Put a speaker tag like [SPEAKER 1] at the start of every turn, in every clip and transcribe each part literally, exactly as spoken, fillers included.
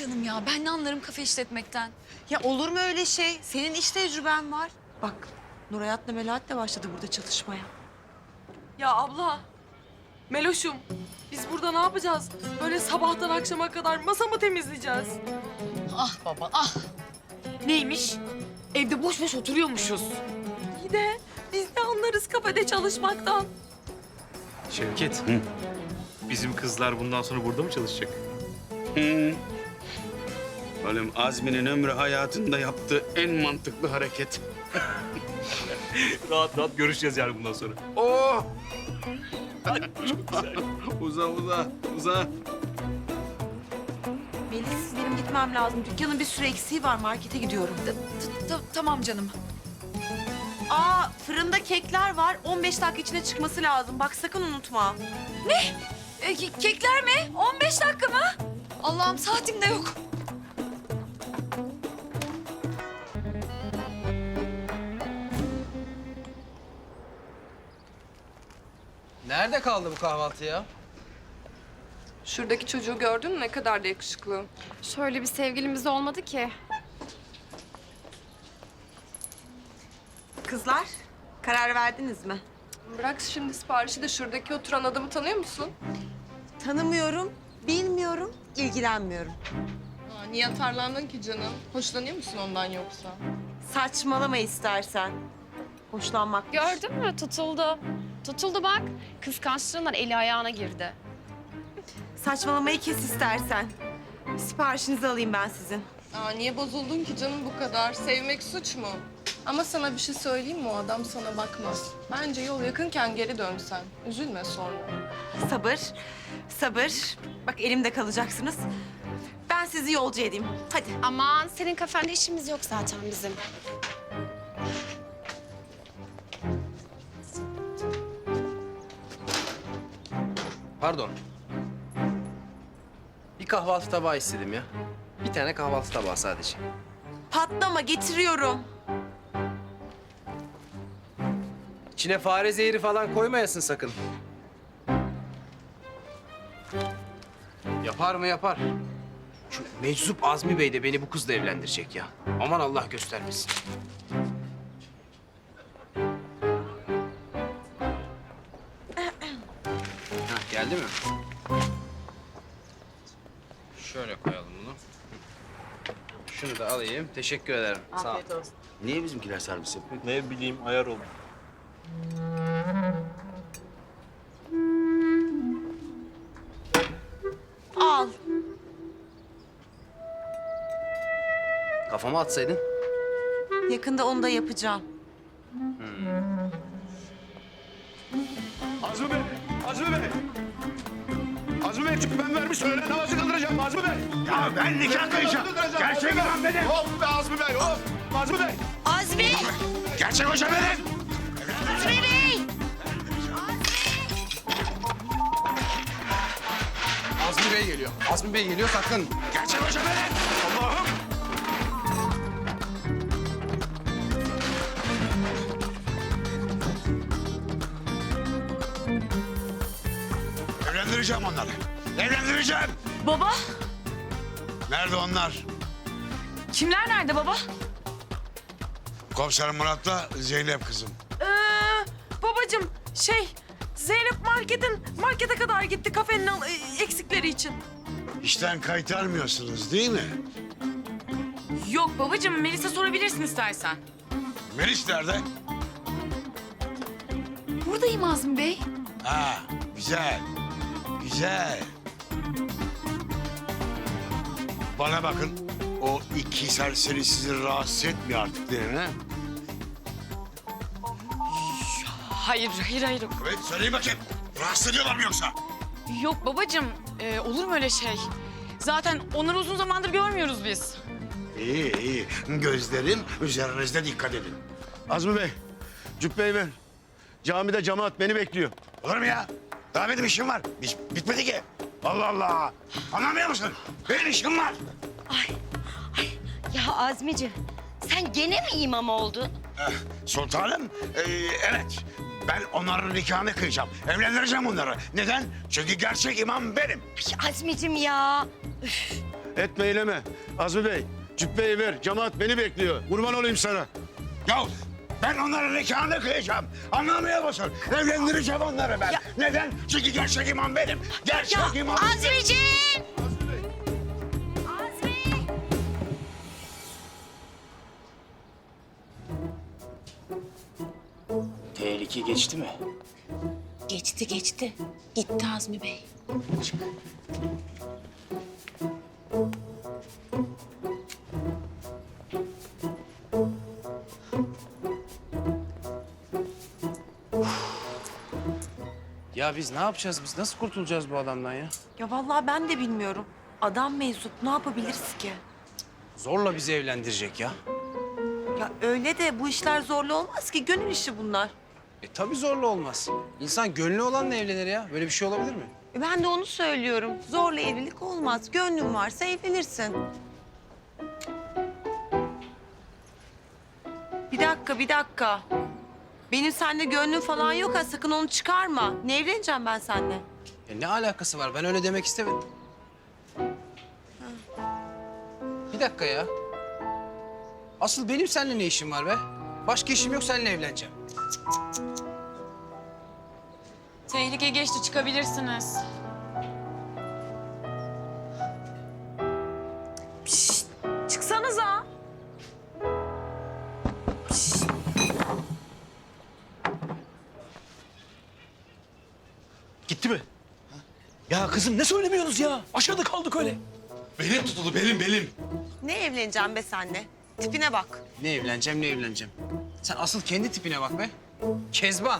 [SPEAKER 1] canım ya. Ben ne anlarım kafe işletmekten.
[SPEAKER 2] Ya olur mu öyle şey? Senin iş tecrüben var. Bak Nurhayat'la Melahat de başladı burada çalışmaya.
[SPEAKER 3] Ya abla, Meloş'um biz burada ne yapacağız? Böyle sabahtan akşama kadar masa mı temizleyeceğiz?
[SPEAKER 1] Ah baba ah. Neymiş? Evde boş boş oturuyormuşuz.
[SPEAKER 3] İyi de biz ne anlarız kafede çalışmaktan?
[SPEAKER 4] Şevket, bizim kızlar bundan sonra burada mı çalışacak?
[SPEAKER 5] Hı. Oğlum Azmi'nin ömrü hayatında yaptığı en mantıklı hareket.
[SPEAKER 4] Rahat rahat görüşeceğiz yani bundan sonra.
[SPEAKER 5] Oh! Çok güzel. Uza uza uza.
[SPEAKER 2] Melis benim gitmem lazım. Dükkanın bir sürü eksiği var. Markete gidiyorum.
[SPEAKER 1] T- t- Tamam canım.
[SPEAKER 2] Aa fırında kekler var. on beş dakika içinde çıkması lazım. Bak sakın unutma.
[SPEAKER 1] E, ke- kekler mi? on beş dakika mı? Allah'ım saatim de yok.
[SPEAKER 6] Nerede kaldı bu kahvaltı ya?
[SPEAKER 3] Şuradaki çocuğu gördün mü? Ne kadar da yakışıklı.
[SPEAKER 7] Şöyle bir sevgilimiz olmadı ki.
[SPEAKER 2] Kızlar karar verdiniz mi?
[SPEAKER 3] Bırak şimdi siparişi de şuradaki oturan adamı tanıyor musun?
[SPEAKER 2] Tanımıyorum, bilmiyorum, ilgilenmiyorum.
[SPEAKER 3] Aa, niye atarlandın ki canım? Hoşlanıyor musun ondan yoksa?
[SPEAKER 2] Saçmalama istersen. Hoşlanmak.
[SPEAKER 7] Gördün mü? Tutuldu. Tutuldu bak. Kıskançlığından eli ayağına girdi.
[SPEAKER 2] Saçmalamayı kes istersen. Siparişinizi alayım ben sizin.
[SPEAKER 3] Aa, niye bozuldun ki canım bu kadar? Sevmek suç mu? Ama sana bir şey söyleyeyim mi? O adam sana bakmaz. Bence yol yakınken geri dön sen. Üzülme sonra.
[SPEAKER 2] Sabır, sabır. Bak elimde kalacaksınız. Ben sizi yolcu edeyim. Hadi.
[SPEAKER 7] Aman senin kafende işimiz yok zaten bizim.
[SPEAKER 6] Pardon. Bir kahvaltı tabağı istedim ya. Bir tane kahvaltı tabağı sadece.
[SPEAKER 2] Patlama getiriyorum.
[SPEAKER 6] İçine fare zehri falan koymayasın sakın. Yapar mı yapar. Şu meczup Azmi Bey de beni bu kızla evlendirecek ya. Aman Allah göstermesin. Hah, geldi mi? Şöyle koyalım bunu. Şunu da alayım. Teşekkür ederim. Sağ ol.
[SPEAKER 2] olsun.
[SPEAKER 5] Niye bizimkiler servis yapıyor?
[SPEAKER 4] Ne bileyim ayar oldu.
[SPEAKER 2] Al.
[SPEAKER 6] Kafama atsaydın.
[SPEAKER 2] Yakında onu da yapacağım.
[SPEAKER 5] Azmi Bey! Azmi Bey! Azmi Bey çünkü ben vermiş öğlen namazı kıldıracağım Azmi Bey. Ya ben nikah kıyacağım. Gerçek imam benim. Hop be Azmi Bey hop. Azmi Bey.
[SPEAKER 2] Azmi!
[SPEAKER 5] Gerçek hoca benim.
[SPEAKER 2] Azmi Bey!
[SPEAKER 6] Azmi Bey geliyor. Azmi Bey geliyor sakın.
[SPEAKER 5] Gerçek hoca benim. Allah'ım. Evlendireceğim onları. Evlendireceğim.
[SPEAKER 1] Baba,
[SPEAKER 5] Nerede onlar?
[SPEAKER 1] kimler nerede baba?
[SPEAKER 5] Komiser Murat'la Zeynep kızım.
[SPEAKER 3] Ee, babacığım şey Zeynep marketin markete kadar gitti kafenin al- eksikleri için.
[SPEAKER 5] İşten kaytarmıyorsunuz değil mi?
[SPEAKER 1] Yok babacığım, Melis'e sorabilirsin istersen.
[SPEAKER 5] Melis nerede?
[SPEAKER 1] Buradayım Azmi Bey.
[SPEAKER 5] Ha, güzel. Güzel. Bana bakın. O iki serseri sizi rahatsız etmiyor artık değil mi?
[SPEAKER 1] Hayır, hayır, hayır.
[SPEAKER 5] Evet, söyleyin bakayım. Rahatsız ediyorlar mı yoksa?
[SPEAKER 1] Yok babacığım, e, olur mu öyle şey? Zaten onları uzun zamandır görmüyoruz biz.
[SPEAKER 5] İyi, iyi. Gözlerim üzerinizde, dikkat edin.
[SPEAKER 8] Azmi Bey, cübbeyi ver. Camide cemaat beni bekliyor.
[SPEAKER 5] Olur mu ya? Daha benim işim var. Biz bitmedi ki. Allah Allah. Anlamıyor musun? Benim işim var.
[SPEAKER 9] Ya Azmi'ciğim sen gene mi imam oldun?
[SPEAKER 5] Eh, sultanım, eh, evet. Ben onların nikahını kıyacağım. Evlendireceğim onları. Neden? Çünkü gerçek imam benim.
[SPEAKER 9] Ay Azmi'ciğim ya. Üf.
[SPEAKER 8] Etme eyleme. Azmi Bey, cübbeyi ver. Cemaat beni bekliyor. Kurban olayım sana.
[SPEAKER 5] Ya ben onların nikahını kıyacağım. Anlamıyor musun? Evlendireceğim onları ben. Neden? Çünkü gerçek imam benim. Gerçek imam benim.
[SPEAKER 9] Azmiciğim!
[SPEAKER 6] Tehlike geçti mi?
[SPEAKER 9] Geçti geçti. Gitti Azmi Bey.
[SPEAKER 6] Ya biz ne yapacağız? Biz nasıl kurtulacağız bu adamdan ya?
[SPEAKER 2] Ya vallahi ben de bilmiyorum. Adam meczup, ne yapabiliriz ki?
[SPEAKER 6] Zorla bizi evlendirecek ya.
[SPEAKER 2] Ya öyle de bu işler zorlu olmaz ki. Gönül işi bunlar.
[SPEAKER 6] E tabii zorla olmaz. İnsan gönlü olanla evlenir ya. Böyle bir şey olabilir mi?
[SPEAKER 2] E, Ben de onu söylüyorum. Zorla evlilik olmaz. Gönlün varsa evlenirsin. Bir dakika, bir dakika. Benim seninle gönlüm falan yok ha. Sakın onu çıkarma. Ne evleneceğim ben seninle?
[SPEAKER 6] E ne alakası var? Ben öyle demek istemedim. Bir dakika ya. Asıl benim seninle ne işim var be? Başka işim yok, seninle evleneceğim.
[SPEAKER 1] Tehlike geçti, çıkabilirsiniz. Pişt, çıksanıza.
[SPEAKER 4] Gitti mi? Ya kızım ne söylemiyorsunuz ya? Aşağıda kaldık öyle.
[SPEAKER 5] Belim tutuldu, belim, belim.
[SPEAKER 2] Ne evleneceğim be seninle? Tipine bak.
[SPEAKER 6] Ne evleneceğim, ne evleneceğim. Sen asıl kendi tipine bak be. Kezban.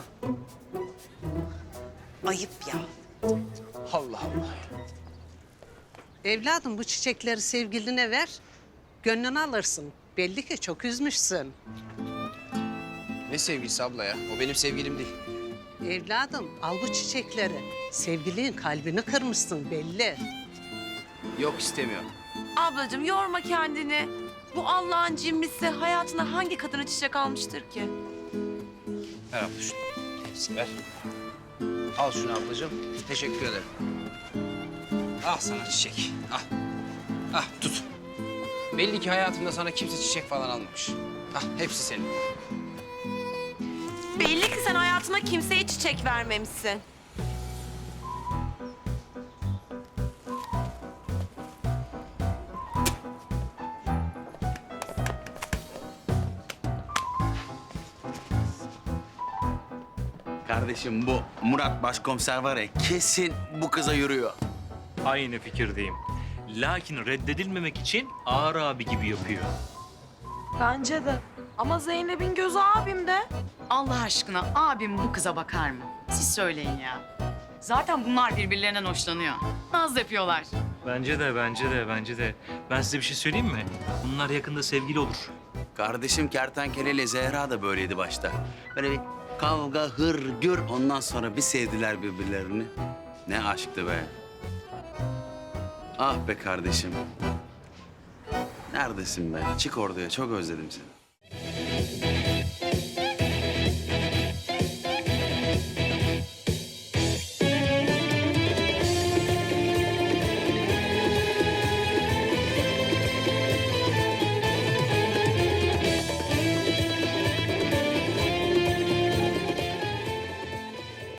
[SPEAKER 2] Ayıp ya.
[SPEAKER 6] Allah Allah ya.
[SPEAKER 10] Evladım bu çiçekleri sevgiline ver. Gönlünü alırsın. Belli ki çok üzmüşsün.
[SPEAKER 6] Ne sevgilisi abla ya? O benim sevgilim değil.
[SPEAKER 10] Evladım al bu çiçekleri. Sevgilinin kalbini kırmışsın belli.
[SPEAKER 6] Yok istemiyorum.
[SPEAKER 2] Ablacığım yorma kendini. Bu Allah'ın cimmisi hayatına hangi kadına çiçek almıştır ki?
[SPEAKER 6] Ver abla şunu. Hepsini ver. Al şunu ablacığım. Teşekkür ederim. Al sana çiçek. Al. Ah tut. Belli ki hayatımda sana kimse çiçek falan almamış. Ah hepsi senin.
[SPEAKER 2] Belli ki sen hayatına kimseye çiçek vermemişsin.
[SPEAKER 8] Kardeşim bu Murat Başkomiser var ya kesin bu kıza yürüyor.
[SPEAKER 4] Aynı fikirdeyim. Lakin reddedilmemek için ağır abi gibi yapıyor.
[SPEAKER 1] Bence de. Ama Zeynep'in gözü abimde. Allah aşkına abim bu kıza bakar mı? Siz söyleyin ya. Zaten bunlar birbirlerinden hoşlanıyor. Naz yapıyorlar.
[SPEAKER 4] Bence de, bence de, bence de. Ben size bir şey söyleyeyim mi? Bunlar yakında sevgili olur.
[SPEAKER 8] Kardeşim Kertenkele ile Zehra da böyleydi başta. Böyle bir kavga, hır, gür ondan sonra bir sevdiler birbirlerini. Ne aşktı be. Ah be kardeşim. Neredesin be? Çık ortaya, çok özledim seni.